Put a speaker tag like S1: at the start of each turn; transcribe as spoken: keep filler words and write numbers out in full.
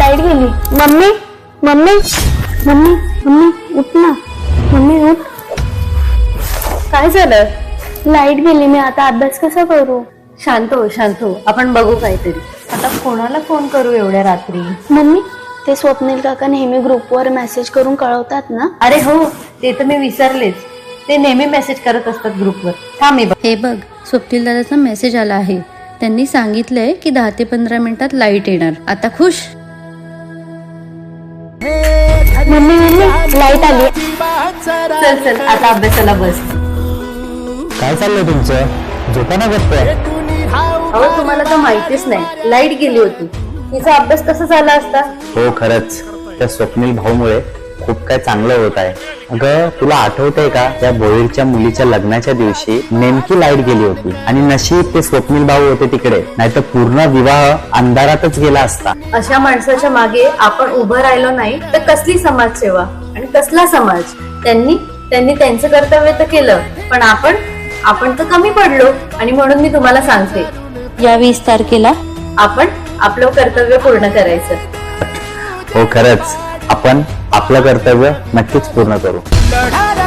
S1: Light गेली. Mummy mummy mummy mummy उठ ना. मम्मी उठ.
S2: काय झालं?
S1: लाईट गेली. मी आता अभ्यास कसा करू?
S2: शांत हो शांत हो, आपण बघू काहीतरी. आता कोणाला फोन करू एवढ्या रात्री?
S1: मम्मी ते स्वप्नील काका नेहमी ग्रुपवर मेसेज करून कळवतात ना.
S2: अरे हो, ते तर मी विसरलेच. ते नेहमी मेसेज करत असतात ग्रुपवर. थांब मी बघ.
S3: हे बघ, स्वप्नील दादाचा मेसेज आला आहे. त्यांनी सांगितलंय की दहा ते पंधरा मिनिटात लाईट येणार. आता खुश?
S1: मम्मी मम्मी लाईट आली.
S2: चल चल आता अभ्यासाला बस.
S4: काय चाललंय तुमचं? झोपा ना गप्प.
S2: अहो तुम्हाला तर माहितीच नाही, लाईट गेली होती. तिचा अभ्यास कसा झाला असता?
S4: हो खरंच, त्या स्वप्नील भाऊमुळे खूप काय चांगलं होत आहे. अगं तुला आठवतंय का, त्या भोईरच्या मुलीच्या लग्नाच्या दिवशी नेमकी लाईट गेली होती आणि नशीब ते स्वप्नील भाऊ होते तिकडे, नाहीतर पूर्ण विवाह अंधारातच गेला असता.
S2: अशा माणसाच्या मागे आपण उभं राहिलो नाही तर कसली समाजसेवा आणि कसला समाज? त्यांनी त्यांनी त्यांचं कर्तव्य तर केलं, पण आपण आपण तर कमी पडलो. आणि म्हणून मी तुम्हाला सांगते,
S3: या वीस तारखेला
S2: आपण आपलं कर्तव्य पूर्ण करायचं.
S4: हो खरंच, आपण आपलं कर्तव्य नक्कीच पूर्ण करू.